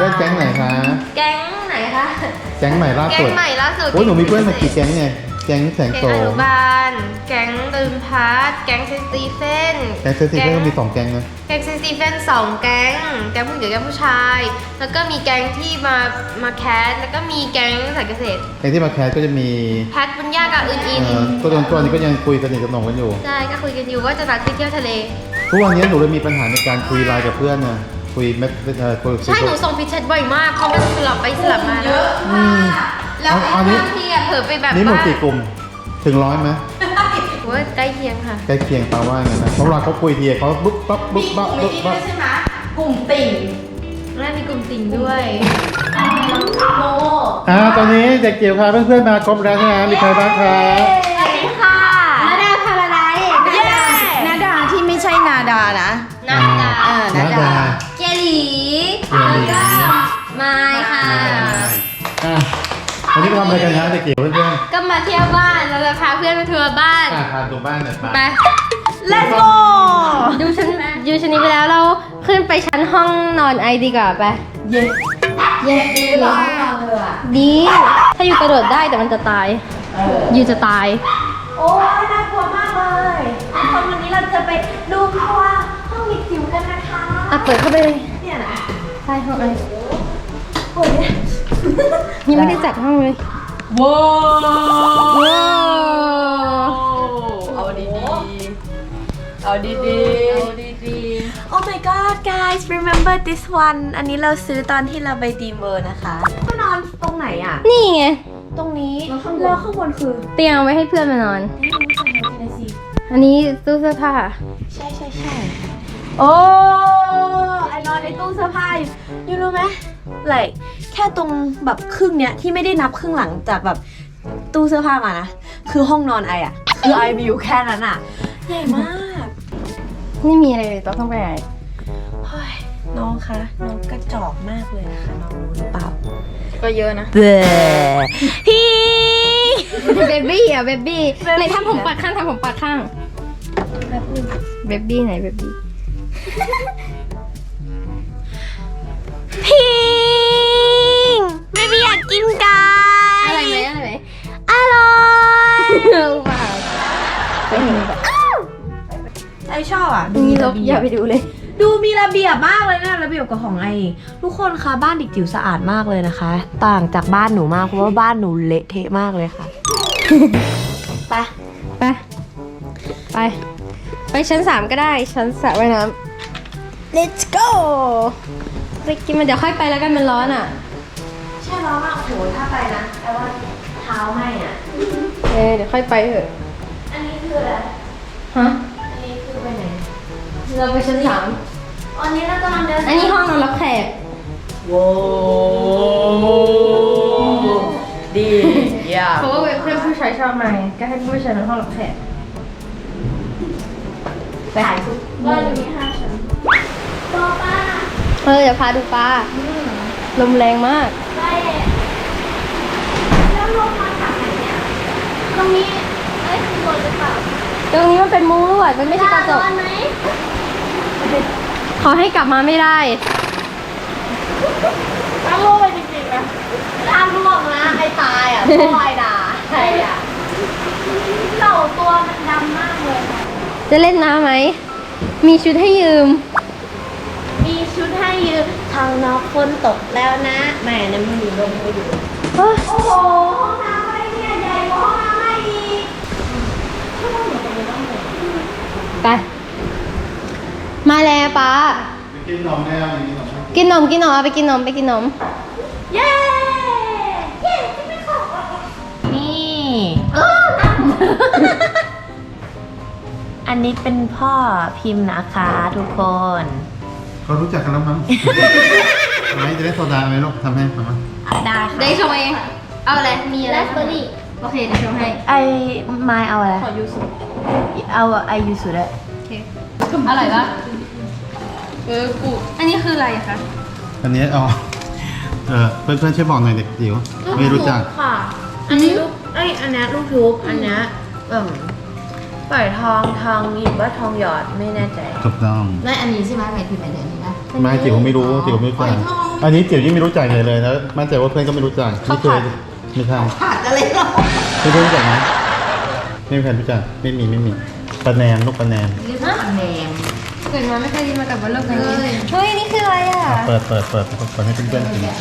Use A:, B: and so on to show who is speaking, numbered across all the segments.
A: แก๊งไหนคะ
B: แก๊งไหนคะ
A: แก๊งใหม่ล่า
B: แก๊
A: สุ
B: ง
A: ด
B: ใหม่ล่าสุด
A: โอ้ยหนูมีเพื่อนมากี่แก๊งเนี่ยแก๊งแสง
B: แก๊ง
A: โส
B: อ
A: ม
B: นุบาลแก๊งลืมพัดแก๊งเซนสตีเฟน
A: แก๊งเซนติเฟนก็มี2 แก๊งนะ
B: แก๊งเซนสตีเฟน2 แก๊งผู้หญิงกับแก๊งผู้ชาย แล้วก็มีแก๊งที่มาแคสแล้วก็มีแก๊งสายเกษตร
A: แก๊งที่มาแคสก็จะมี
B: แพทบุญญากับอิน
A: ก็ตัวนี้ก็ยังคุยสนิทสนมกันอยู่
B: ใช่ก็คุยกันอยู่ว่าจะนัดไปเที่ยวทะเล
A: ทุกวันนี้หนูเลยมีปัญหาในการคุยไลน์กับเพื่อนนะคุยไม่คุย
B: ใช่หนูส่งพิชเชตบ่อยมากเพราะมันสลับไปสลับมาแล้ว แล้ว
A: อันนี้
B: บางทีอะเผลอไปแบบ
A: นี่หมด
B: ว่า
A: กี่กลุ่มถึง100ไหม
B: โอ้ยใกล้เคียงค่ะ
A: ใกล้เคียงตาว่าอย่างนั้นนะเพราะเวลาเขาคุยทีเขาบุ๊บปั๊บบุ๊บปั๊บบุ๊บปั๊บ
C: ใช่ไหมกลุ่มติ่ง
B: แล้วมีกลุ่มติ่งด้วย
C: โม
A: ตอนนี้เด็กเกี่ยวพาเพื่อนๆมาครบแล้วใช่ไหมมีใครบ้างคะ
C: สวัสดีค่ะ
B: นาดาพาราไดซ์
C: เย้นาดาที่ไม่ใช่นาดานะ
B: นาดา
A: นาดา
B: เกลี
A: เกลี
B: ไม้ค่ะ
A: วันนี้ไปทำอะไรกันนะเด็กเกี่ยวเพื่อน
B: ก็มาเที่ยวบ้านเราจะพาเพื่อนมาทัวร์บ้าน
A: ๆพาตัวบ้านหน่อย
B: ไป
C: Let's go
B: ดูชั้นนี้ไปแล้วเราขึ้นไปชั้นห้องนอนไอดีกว่าไป
C: เย้
B: เย้ดีดี ถ้าอยู่กระโดดได้แต่มันจะตายอยู่จะตาย
C: โอ้ยน่ากลัวมากเลยตอนวันนี้เราจะไปดูครัวห้องมิดจิ๋วกันนะคะ
B: อ่ะเปิดเข้าไปเลย
C: เนี่ยนะ
B: ใช่ห้องไอ
C: โอ้ย
B: ยังไม่ได้จัดห้องเลย
C: ว้าว
B: ว้าว
C: เอาดีๆเอาดีๆ Oh my god guys remember this one อันนี้เราซื้อตอนที่เราไปดีเมอร์นะคะก็นอนตรงไหนอ่ะ
B: นี่ไง
C: ตรงนี้แล้วข้างบนคือ
B: เตียงเอาไว้ให้เพื่อนมานอน
C: นี่สิ
B: อันนี้ตู้เสื้อผ้า
C: ใช่โอ้ไอนอนในตู้เสื้อผ้าอยู่รู้ไหมlike แค่ตรงแบบครึ่งเนี้ยที่ไม่ได้นับครึ่งหลังจากแบบตู้เสื้อผ้ามานะคือห้องนอนไออะคือไอมีอยู่แค่นั้นอะใหญ่มาก
B: ไม่มีอะไรเลยต้องเข้าไปไหน
C: เฮ้ยน้องคะน้องกระจอกมากเลยนะคะน้องรู้หรือเปล่า
B: ก็เยอะนะ
C: เบ้พี่
B: เบบี้อ่ะเบบี้ไหนทำผมปัดข้างทำผมปัดข้าง
C: แบบนึง
B: เบบี้ไหนเบบี้
C: พิงไม่อยากกินไก่
B: อะไรไหมอะไรไหม
C: อร่อย
B: ว้าวไปเห็นแบบ
C: ไอชอบอ่ะ
B: นี่ลบอย่าไปดูเลย
C: ดูมีระเบียบมากเลยนะระเบียบกับของไอทุกคนคะบ้านเด็กจิ๋วสะอาดมากเลยนะคะ ต่างจากบ้านหนูมากเพราะว่าบ้านหนูเละเทะมากเลยค่ะ ไป
B: ไปไปไปชั้น3ก็ได้ชั้นสระว่ายน้ำ let's go ไปกินมันเดี๋ยวค่อยไปแล้วกันมันร้อนอ่ะ
C: ใช่ร้อนมากโหถ้าไปนะแต่ว่าเท้าไหมอ่ะ
B: เดี๋ยวค่อยไปเถอะ
C: อันนี้คืออะไร
B: ฮะ
C: อันนี้คือไปไหน
B: เราไปชั้น3
C: อันนี้เรากำลังเดิน
B: อันนี้ห้องนอนรับแขก
C: โว้ดีอย่า
B: เพราะว่าเพื่อนผู้ชายชอบมาไงก็ให้ผู้ชายนอนห้องรับแขกไป
C: ถ่ายทุกบ้านอยู่ที่5 ชั้นตัวป้า
B: เดี๋ยวพาดูปลาลมแรงมาก
C: ไปแล้วลงมาจากไหนเนี่ยตรงนี้เอ้ยข้างบนหรือเปล่า
B: ตรงนี้มันเป็นมุ้งลวดมันไม่ใช่กระจก
C: ร้อนไหม
B: ขอให้กลับมาไม่ได้
C: ถ้าลงไปจริงๆนะถ้าล่วงนะใครตายอ่ะพ่อไอ้ด่าใครอ่ะเหล่าตัวมันดำมากเลย
B: จะเล่นน้ำไหม มีชุดให้ยืม
C: มีชุดให้ยืมทางนอกฝนตกแล้วนะแหม่น้ำมันอยู่ลมก็อยู่
B: เฮ้ย
C: โอ้โหห้องน้ำอะไรเนี่ยใหญ่กว่าห้องน้ำอะไรอีก
B: ไป มาแล้วป้า
A: กินนมแน่กินนม
B: กินนมเอาไปกินนมไปกินนม
C: เย้เย้ที่ไม่ขอนี่อันนี้เป็นพ่อพิมพ์นะคะทุกคน
A: เขารู้จักกันแล้วมั้งไม่จะได้โซดาไหมลูกทำให้ทำไหม
C: ได้ค่ะ
B: ได้ชงเอง เอาอะไร มีอะไรสตรอเบอรี่โอเคเดี๋ยวชงให้
C: ไอไม้เอาอะไร
B: ขอยูสุ
C: เอาไอยูสุดเลย
B: โอเค อร่อยปะกูอันนี้คืออะไรอะคะ
A: อันนี้เพื่อนๆช่วยบอกหน่อยเด็กจิ๋วไม่รู้จัก
C: ค่ะ อันนี้ลูกอันนี้ลูกทุบอันนี้ปล่อยทองหยิบว่าทองหยอดไม่แน่ใจ
A: ถูกต้อง
D: ได้อันนี้ใช่ไหมหมายถึงอันนี้นะ
A: ไม่จิ๋วไม่รู้จิ๋วไม่รู้จักอันนี้จิ๋วยิ่งไม่รู้จักเลยแล้วมั่นใจว่าเพื่อนก็ไม่รู้จักไม่เคยไม่ใช่
D: ขาดอะไรหรอ
A: ไม่รู้จักนะไม่มีใครรู้จักไม่มีปลาแนมลูกปลาแนม
D: เรียกว่าแหนม
B: เกิดมาไม่เคยกินมากับว่าโลกนี้เฮ้ยนี่คืออะไรอ่ะ
A: เปิดให้เพื่อนๆกิน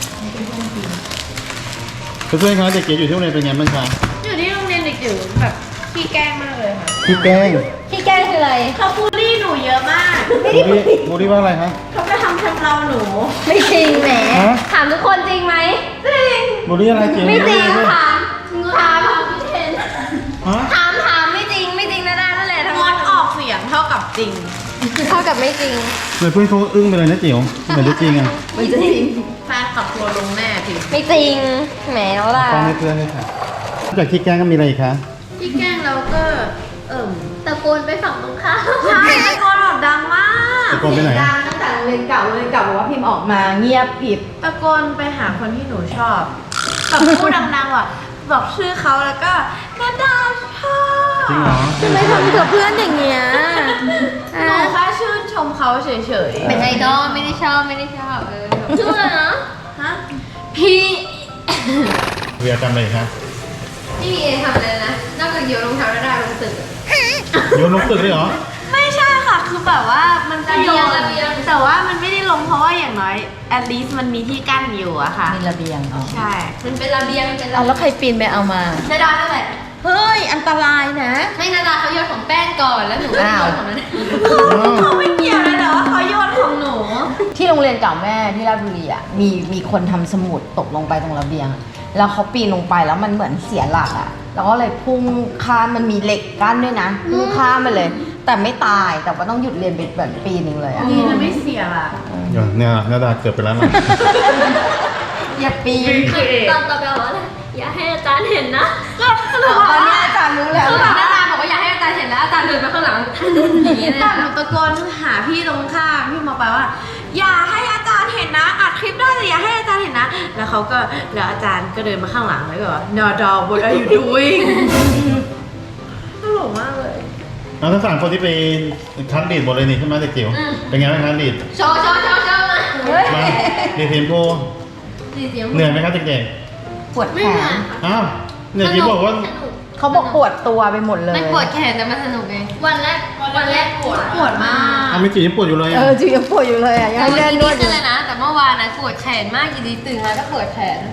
A: เพื่อนๆครับเด็กเก๋อยู่ที่โรงเรียนเป็นไงบ้างคะ
C: อยู่ที่โรงเรียนเด็กจิ๋วแบบขี้แกล้งมากเลยค่ะ
A: พี่แป้ง
B: พี่แก้งคืออะไร
C: เขาบูลลี่หนูเยอะมาก
A: บูรี่ว่าอะไรคะ
C: เขาจะทำชำเราหนู
B: ไม่จริงแหม
A: ฮะ
B: ถามทุกคนจริงไหม
A: บูรี่อะไรจิ๋ว
B: ไม่จริง
A: บู
B: ถามถาม
A: ฮะ
B: ถามไม่จริงนะด้านั่นแหละทั้ง
C: ง
B: หม
C: ด
B: ด
C: ออกเสียงเท่ากับจริง
B: เท่ากับไม่จริง
A: เลยเพื่อนเขาอึ้งไปเลยนะจิ๋วเหมือนจะจริงอ่ะ
D: มันจะจริง
C: แฟนขับทัวร์ลงแน่ที
B: ไม่จริงแหมแล้วล่ะ
A: ฟังให้เพื่อนเลยค่ะนอกจากที่แกล้งก็มีอะไรอีกคะ
C: ขี้แกล้งเราก็
B: ตะโกนไปฝั่งตรงข้าม
C: ใช่ตะโกนแบบดังมาก
A: ตะโกนไปไหน
D: ดังตั้งแต่โรงเรียนเก่าบอกว่าพิมพ์ออกมาเงียบกริบ
C: ตะโกนไปหาคนที่หนูชอบแบบพูดดังๆว่ะบอกชื่อเขาแล้วก็นาดาชอบ
A: จริงเหรอ
B: ทำไมทำกับเพื่อนอย่างเงี้ย
C: หนูแค่ชื่นชมเขาเฉย
B: เป็นไอดอลไม่ได้ชอบชื่ออะไรนะ
C: ๆฮะ
B: พี่
A: เวียจำอะไรอีกคะ
B: ไม่มีเอทำอะไรนะนอกจากโยนรองเท้าแล้วได้ลงตึก
A: โยนลงตึกเลยเหรอ
C: ไม่ใช่ค่ะคือแบบว่ามันก็โยน
B: ระเบียง
C: แต่ว่ามันไม่ได้ลงเพราะว่าอย่างน้อย at least มันมีที่กั้นอยู่อะค่ะ
D: มีระเบียงอ๋อ
C: ใช่
B: มันเป็นระเบียงเป็นระ
D: เอา
B: เบียง
D: แล้วใครปีนไปเอามา
B: นาดานั่นแหละ
D: เฮ้ยอันตรายนะ
B: ให้นาดาเขาโยนของแป้งก่อนแล้วหนูก็โยนของนั้น
C: เขาไม่เกี่ยวเลยแต่ว่าเขาโยนของหนู
D: ที่โรงเรียนเก่าแม่ที่ราชบุรีอ่ะมีคนทำสมุดตกลงไปตรงระเบียงอะแล้วเขาปีนลงไปแล้วมันเหมือนเสียหลักอ่ะแล้วก็เลยพุ่งข้ามมันมีเหล็กกั้นด้วยนะพุ่งข้ามไปเลย แต่ไม่ตายแต่ว่าต้องหยุดเรียนไปแบบปีนึงเลยอ่ะ
C: ดีนะไม่เสียล่ะ
A: เนี่ยนาดาเกือบไปแล้วนะ
D: อย่าปีน
B: ตอนต่อไปบอกว่าอย่าให้อาจารย์เห็นนะ
D: ตอนนี้อาจารย์รู้แล้ว
B: คือแบบ
D: นะ
B: นาดาบอกว่าอย่าให้อาจารย์เห็นแล้วอาจารย์เดินมาข้างหลังอย่างนี้เลย
C: แต่หนูตะโกนหาพี่ตรงข้ามพี่มาไปว่า อย่าให้อาจารย์เห็นนะอัดคลิปได้แต่อย่าให้อาจารย์เห็นนะ แล้วอาจารย์ก็เดินมาข้างหลังแล้วก็บอก No dog what are you doing ตลกมากเลย
A: เอาทั้งสามคนที่ไปคัดดีดหมดเลยนี่ใช่ไหมเด็กจิ๋วเป็นไงบ้างคัดดีด
B: โชว์มาเฮ้ย
A: มาดีทีมพู
B: สีเสียง
A: เหนื่อยไหมครับเด็ก
D: ปวด
B: ไม่
D: แข
B: เหนื่อย
D: น
A: ๆอ้าวเนี่ยจิ๋วบอกว่า
D: เขาบอกปวดตัวไปหมดเลย
B: มันปวดแขนแต่มันสนุกไงวันแรกปวดมาก
A: อ้าวไม่จิ๋วยังปวดอยู่เลย
D: เอ
A: อ่ะ
D: อจิ๋วยังปวดอยู่เลยอ่ะยัง
B: แต่
D: เล่
B: วัน
D: น
B: นี้
D: นวดอ
B: ขึ้
D: ยู่
B: นเลยนะ แต่เมื่อวานนะปวดแขนมากอยู่ดีตื่นมาก็ปวดแขน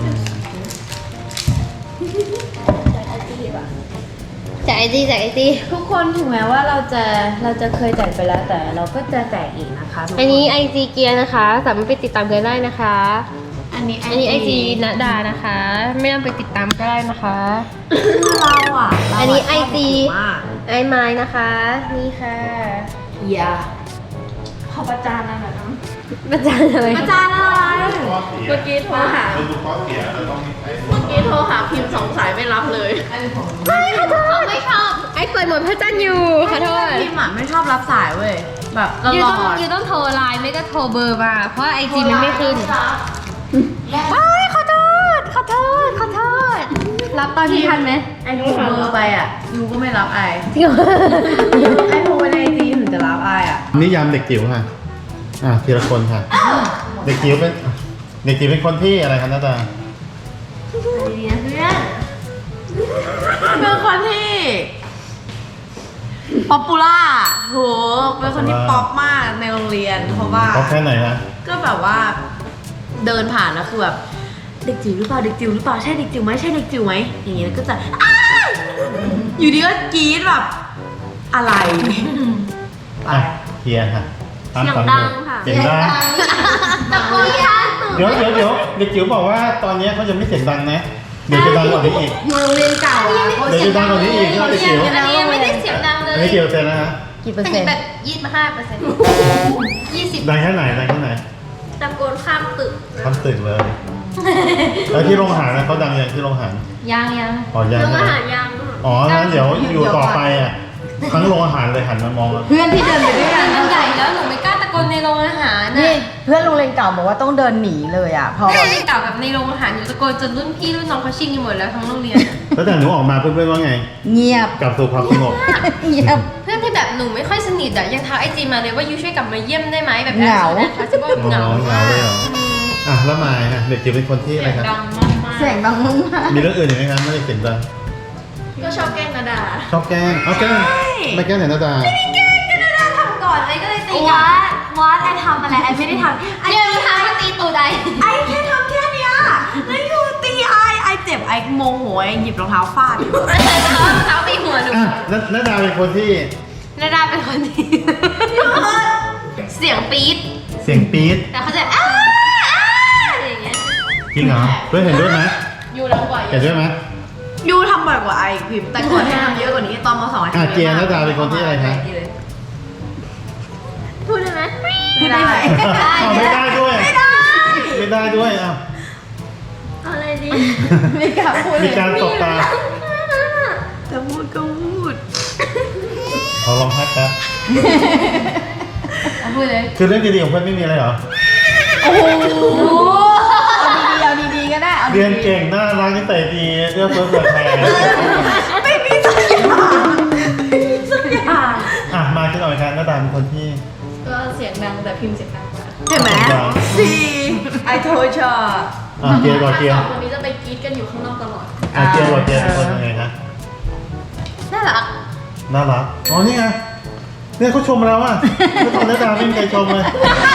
B: จากไอจี
C: ทุกคนถึงแม้ว่าเราจะเคยแจกไปแล้วแต่เราก็จะแจกอีกนะคะทุกค
B: อันนี้ไอจีเกียร์นะคะสามารถไปติดตามกันได้นะคะ
C: อันนี้
B: อันนี้ไอจีณดานะคะ ไม่ต้องไปติดตามก็ได้นะคะ
C: เราอ่ะ
B: อันนี้ไอจี
C: มาก
B: ไอไม้นะคะ นี่ค่ะ
C: อย่าขอประจานอะไรนะ
B: ประจานอะไร
C: ประจานอะไรเมื่อกี้โทรหา
A: เป็นลูกข้อเสียเราต้องใช้
C: เมื่อกี้โทรหาพิมพ์สองสายไม่รับเลย
B: ไม่ขอโทษไม่ชอบไอเปิดหมดพระจันทร์อยู่ขอโทษ
C: พิมพ์อ่ะไม่ชอบรับสายเว้ยแบบต
B: ยู
C: ล
B: ต้
C: อ
B: อง
C: ด
B: ยูต้องโทรไลน์ไม่ก็โทรเบอร์มา เพราะไอจีมันไม่ขึ้นเอ้ยขอโทษรับตอนที่ทันไหม
C: ไอ้โทรเบอร์ไปอ่ะยูก็ไม่รับไอ
B: จริงเหรอ
C: ไอโทรไปในจีถึงจะรับไออ่ะ
A: นิยามเด็กจิ๋วค่ะทีละคนค่ะ เด็กจิ๋วเป็นคนที่อะไรครับนาดา
B: ดีนะเพื่อน
C: เป็นคนที่ป๊อปปูล่าโหเป็นคนที่ป๊อปมากในโรงเรียนเพราะว่า
A: เขาแค่ไหนคะ
C: ก็แบบว่าเดินผ่านแล้วคือแบบเด็กจิ๋วหรือเปล่าเด็กจิ๋วหรือเปล่าใช่เด็กจิ๋วไหมใช่เด็กจิ๋วไหมอย่างเงี้ยแล้วก็จะอ้ายอยู่ดีก็กรี๊ดแบบอะไรไป
A: เคลียร์ค่ะ
B: เสียงดังค่ะ
A: เสียงดัง
B: ตะโกนค่ะ
A: เดี๋ยวเด็กจิ๋วบอกว่าตอนนี้เขาจะไม่เสียงดังนะ เดี๋ยวจะดังกว่านี้อีก
D: อยู่โรงเรียนเก่าอ่ะเขา
A: เดี๋ยวจะดังกว่านี้อีกนะเด็กจิ๋ว
B: อันนี้ยังไม่ได้เสียงดังเลย
A: อันนี้เกี่ยวเซนนะฮะ
D: กี่เปอร์เซ็นต์
B: แบบ25%
A: ดังแค่ไหน
B: ตะโกนข้ามตึก
A: ทำตื่นเลย แล้วที่โรงอาหารนะเขาดังอย่างที่โรงอาหาร
B: ยัง
A: อ๋อยัง
B: โรง
A: นะ
B: อาหารยัง
A: อ๋องั้นเดี๋ยวอยู่ต่อไปอ่ะทั้งโรงอาหารเลยหันมามอง
D: เพื่อนที่เดินไปด้วยกัน
B: มันใหญ่แล้วหนูไม่กล้าตะโกนในโรงอาหาร
D: นี่
B: น่ะ
D: เพื่อนโรงเรียนเก่าบอกว่าต้องเดินหนีเลยอ่ะเพราะ
B: ต
D: ว่า
B: อนที่เก่าแบบในโรงอาหารอยู่ตะโกนจนรุ่นพี่รุ่นน้องเขาชิงกันหมดแล้วทั้งโรงเรียน
A: แล้วแต่หนูออกมาเพื่อนๆว่าไง
D: เงียบ
A: กลับสู่ความสงบ
D: เงียบ
B: เพื่อนที่แบบหนูไม่ค่อยสนิทอะยังทักไอจีมาเลยว่ายูช่วยกลับมาเยี่ยมได้ไหมแบบ
D: เหงา
B: นะคะจะบอกเหงา
A: เหงาเลยเหรออ่ะแล้วมายนะเด็กจิ๋วเป็นคนที่อะไรครับ
B: ดังมาก
D: เสียงดังมาก
A: มีเรื่องอื่นอีกไหมครับไม่ได้เสียงดัง
C: ก็ชอบแกล้งนาดา
A: ชอบแกล้งเอาแกล้งไม่แกล้งไหนหน้าตา
B: ทำก่อนไอก็เลยตี
C: วัดไอทำอะไรไอไม่ได้ทำไอ
B: เนี่ยมีทางมาตีตูดไอ
C: ไอแค่ทำแค่เนี้ยแล้วอยู่ตีไอเจ็บไอโมโหไอหยิบรองเท้าฟาด
B: เท้าตีหัวหนู
A: อ่ะหน้าตาเป็นคนที่
B: นาดาเป็นคนที่เสียงปี๊ด
A: เสียงปี๊ด
B: แต่เขาจะอะไรอย่างเงี้ย
A: จริงเหรอเพื่อนเห็นด้วยไหม
B: ยูรังบ่อย
A: เห็นด้วยไหม
C: ยูทำบ่อยกว่าไอพิมพ์แต่ก่อนให้ทำเยอะกว่านี้ตอนม.2
A: อ่ะเกียร์หน้าตาเป็นคนที่อะไรคะ
B: พูดได้ไหม
C: ไม่ได้
A: ไม่ได้ด้วยไม่ได้ด้วยอ่ะ
B: อะไรดี
D: ไม่กล้าพูดเล
A: มี
D: ย
A: การตบตา
C: จะพูดก็พูด
A: ขอลองพักแป๊บ
B: พูดเลย
A: คือเรื่องดีๆของเพื่อนไม่มีอะไรเหรอ
D: เอาดีๆก็ได้เอา
A: เรียนเก่งน่ารักนิสัยดีเรื่องเพื่อนเพื่อนแทน
C: ไม่มีสักอย่าง
A: อ่ะมาขึ้นหน่อยครับหน้าตาเป็นคนที่
B: ก็เสียงดังแต่พิมพ์เสียงดังกว่า
C: เห็นไหมสี่ไอโทรชอ
A: อ่ะเกียร์ก่อนเกียร์
B: สองคนนี้จะไปกรี๊ดกันอยู่ข้างนอกตลอด
A: อ่ะเกียร์ก่อนเกียร์เป็นคนยังไงฮะ
B: น่ารัก
A: น่ารักอ๋อนี่ไงเนี่ยเขาชมแล้วอ่ะแล้วตอนหน้าตาไม่มีใครชมเลย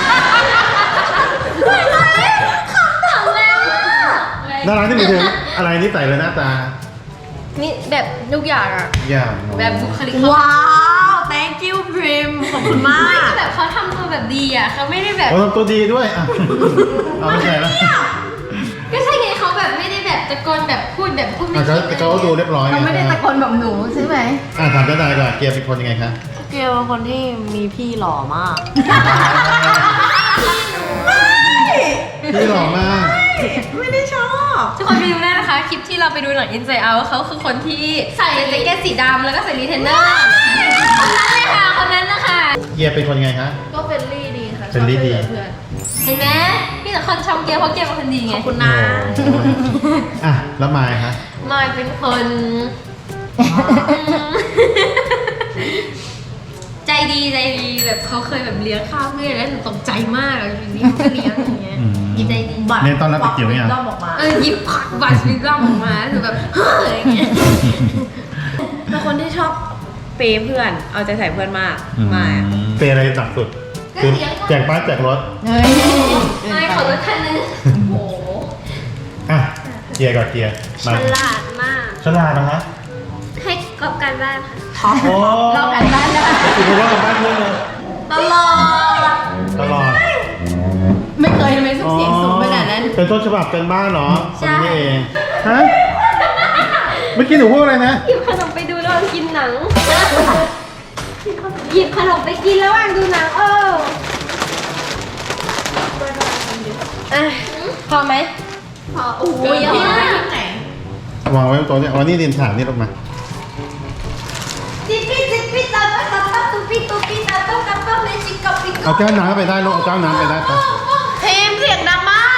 A: น่ารักที่มีถึงอะไรนิสัยเลยหน้าตา
B: นี่แบบทุกอย่างอะ
A: อย่าง
B: แบบบุคลิก
C: ว้าว thank you พิมขอบคุณมาก
B: แบบเขาทำตัวแบบดีอะเขาไม่ได้แบบ
A: โอ้ทำตัวดีด้วยอ่ะเอาไม่ใช่แล้ว
B: ก็ใช่ไงเขาแบบไม่ได้แบบตะโกนแบบพูดไม่
A: อ่ะ
B: คิด
A: เขาดูเรียบร้อย
D: เขาไม่ได้ตะโกนแบบหนูใช่ไหม
A: อ่ะถามเจ้านายก่อนเกียร์เป็นคนยังไงคะ
C: เกลเป็นคนที่มีพี่หล่อมาก
A: พี่หล่อมาก
C: ไม่ได้ชอบ
B: ทุกคนไปดูได้นะคะคลิปที่เราไปดูหนัง Inside Out เขาคือคนที่ใส่แจ็คเก็ตสีดำแล้วก็ใส่รีเทนเนอร์คนนั้นเลยค่ะคนนั้นนะคะ
A: เกียร์เป็นคนยังไงคะ
B: ก็เฟรนลี่ดีค่ะ
A: เฟรนลี่ดี
B: เห็นไหมพี่แต่คนชมเกียร์เพราะเกียร์เป็นคนดีไง
C: ขอบคุณนะ
A: โอ้ยอ่ะแล้วมายคะ
B: มายเป็นคนใจดีแบบเขาเคยแบบเลี้ยงข้าวเพื่อนแล้วหนูตกใจมากอยู่นี่เขาก็เลี้ยงอย่างเงี้ยใจดี
A: เรียนตอนรับเด็กจิ๋วยัง
C: ต้องบอกมา
B: หยิบผักบัตรวิลล่ออกมาหนูแบบเฮ้ยอย่างเงี้ย
C: เป็นคนที่ชอบเปย์เพื่อน เอาใจใส่เพื่อนมากมา
A: เปย์อะไรต่ำสุดคือแจกบ้านแจกรถ
D: เฮ้ย
B: ไม่ขอรถคันนึงโอ้โห
A: อ่ะเกียร์ก่อนเกียร์
B: ฉ
A: มา
B: ลาดมาก
A: ฉลาดนะฮะ
B: ให้กอบการบ้านค่ะ
A: โอ้
D: เรากันบ้านได้
A: คือเพราะว่ากับบ้านเพื่อนเลย
C: ตลอด
A: ตลอด
D: ไม่เคยทำไมสุดเสียงสูงขนาดนั้น
A: เป็นต้นฉบับกันบ้านเหรอคนนี้เองฮะเมื่อกี้หนูพูดอะไรนะ
B: หยิบขนมไปดูระหว่างกินหนังหยิบขนมไปกินระหว่างดูหนังพอไหมพอโอ้ยเยอะมาก
A: วางไว้บนโต๊ะเนี่ยวันนี้ดินถางนี่ลงมา
B: จิปปี้ตาตาตาตุปิตาตาตาเมจิกับปิ
A: เอาแก้วน้ำไปได้ลูกเอาแก้วน้ำไปได้ปะ
C: ทีมเสียงดังมาก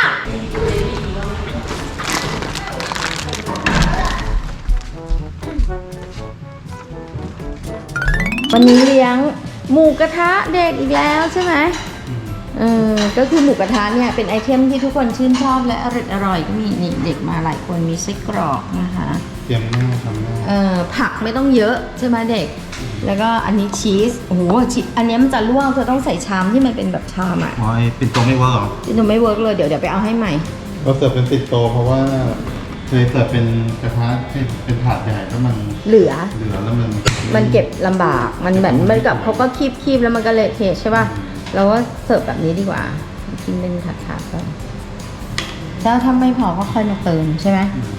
D: วันนี้เลี้ยงหมูกระทะเด็กอีกแล้วใช่ไหมก็คือหมูกระทะเนี่ยเป็นไอเทมที่ทุกคนชื่นชอบและอร่อยก็มีนี่เด็กมาหลายคนมีไส้กรอกนะคะ
A: เตรียมหน้าทำหน้า
D: ผักไม่ต้องเยอะใช่ไหมเด็ก แล้วก็อันนี้ชีสโอ้โหชีสอันนี้มันจะลวกเธอต้องใส่ชามที่มันเป็นแบบชามอ่ะ
A: อ๋อไอ้ปิ่นโตไม่เวิร์กเหรอ
D: ที่หนูไม่เวิร์กเลยเดี๋ยวไปเอาให้ใหม่
A: เราเสิร์ฟเป็นปิ่นโตเพราะว่าเคยเสิร์ฟเป็นกระทะเป็นถาดใหญ่แล้วมัน
D: เหลือ
A: แล้ว
D: มันเก็บลำบาก มันเหมือนมันกับเขาก็คีบแล้วมันก็เละเทะใช่ป่ะ เราก็เสิร์ฟแบบนี้ดีกว่า กินเป็นถาดๆก่อนแล้วถ้าไม่พอก็ค่อยมาเติมใช่ไหม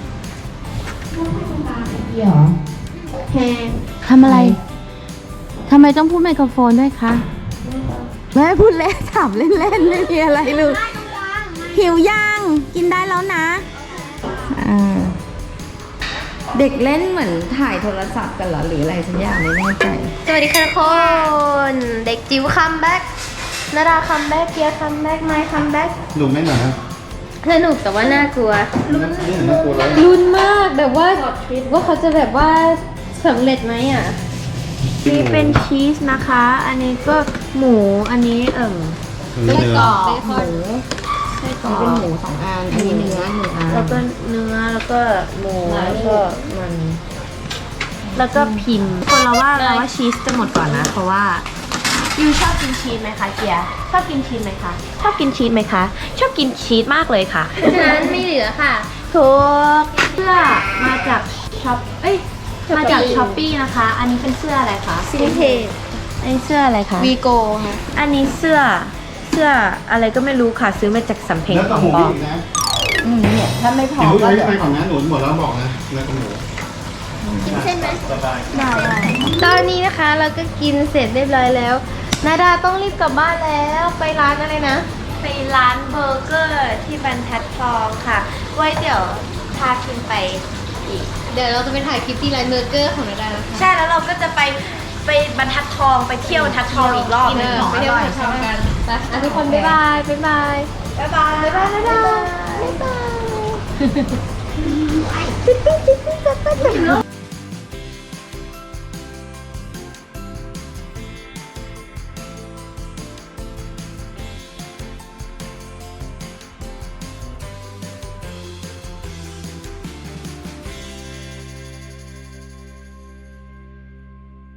D: หรอทำอะไร ทำไมต้องพูดไมโครโฟนด้วยคะไม่พูดเล่นถามเล่นๆไม่มีอะไรเลยหิวยัง กินได้แล้วนะเด็กเล่นเหมือนถ่ายโทรศัพท์กันเหรอหรืออะไรสักอย่างไม่แน่ใจ
B: สวัสดีค่ะทุกคนเด็กจิ๋วคัมแบ็กนาดาคัมแบ็กเกียร์คัมแบ็กไมค์คัมแบ็ก
A: ดูไม่หนา
B: สนุกแต่ว่าน่ากลัว
A: นี่น่ากลัวแล้ว
B: ลุ้นมากแบบว่าเขาจะแบบว่าสำเร็จไหมอ่ะ
C: นี่เป็นชีสนะคะ อันนี้ก็หมู อันนี้
A: เนื้อ
B: ไส้กรอกเบคอน
C: ไส้กร
D: อัน
C: อ
D: นี้เป็น
C: ก
D: หมู2 อัน อันนี้เนื้อ1 อัน
C: แล้วก็เนื้อ แล้วก็หมู แล้วก็มัน แล้วก็พิมพ์ คนเราว่าชีสจะหมดก่อนนะ เพราะว่ายูชอบกินชีสไหมคะเกียร์ชอบกินชีสไหมคะ ชอบกินชีสไหมคะ ชอบกินชีสมากเลยค่ะ
B: เพราะฉะนั้นไม่เหลือค่ะ
C: ถูกเสื้อมาจากช็อปมาจากช้อปปี้นะคะ อันนี้เป็นเสื้ออะไรคะ
B: ซินเทจ
C: อันนี้เสื้ออะไรคะ
B: วีโกค่ะ
C: อันนี้เสื้ออะไรก็ไม่รู้ค่ะ ซื้อมาจากสำเพ็ง
A: เนื้อ
C: ข
A: กับ
C: อง
A: หมู
C: ปลอ
A: อี
C: ม
A: กนะ
D: เนี่ยถ้าไม่พอ
A: กินลูก
D: ก็
A: ไว้
D: เหลือ
A: ไปก่อนนะหนูหมดแล้วบอกนะเนื้อกับหมู
B: กินเส้นไหม
A: สบาย
B: ตอนนี้นะคะเราก็กินเสร็จเรียบร้อยแล้ว นาดาต้องรีบกลับบ้านแล้วไปร้านอะไรนะ
C: ไปร้านเบอร์เกอร์ที่บรรทัดทองค่ะ ไว้เดี๋ยวพาคิมไปอีก
B: เดี๋ยวเราจะไปถ่ายคลิปที่ร้านเบอร์เกอร์ของนาดานะคะ
C: ใช่แล้วเราก็จะไปบรรทัดทองไปเที่ยวบรรทัดทองอีกรอบหนึง
B: ไปเที่ยวทำกันไปอ่ะทุกคนบ๊ายบายบ๊ายบาย
C: บ๊ายบายบ๊ายบายนาดาบ๊ายบาย